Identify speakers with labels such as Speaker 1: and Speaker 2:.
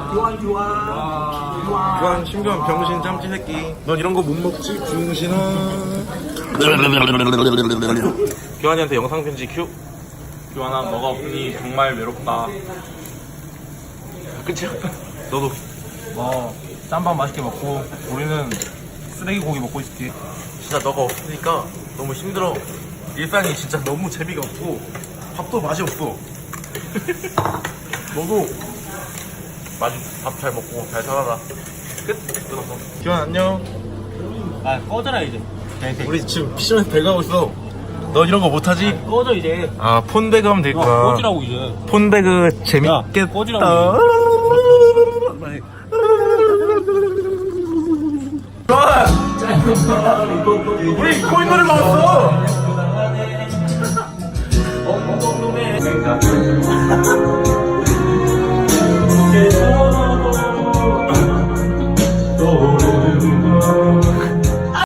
Speaker 1: 교환 신경 병신 짬찌 새끼. 넌 이런 거 못 먹지 병신아. 교환이한테 영상 편지 큐. 교환아 너가 없으니 정말 외롭다. 끝이야? 너도 짬밥 맛있게 먹고 우리는 쓰레기 고기 먹고 있을게. 진짜 너가 없으니까 너무 힘들어. 일상이 진짜 너무 재미가 없고 밥도 맛이 없어. 너도 밥 잘 먹고 잘 살아라. 끝. 끊었어. 기환 안녕.
Speaker 2: 아 꺼져라 이제.
Speaker 1: 우리 지금 미션에서 배가고 있어. 너 이런 거 못하지?
Speaker 2: 꺼져 이제.
Speaker 1: 아 폰배그 하면 되겠구나.
Speaker 2: 꺼지라고 이제.
Speaker 1: 폰배그 재밌겠다.
Speaker 2: 꺼지라고.
Speaker 1: 우리 코인 노래 먹었어.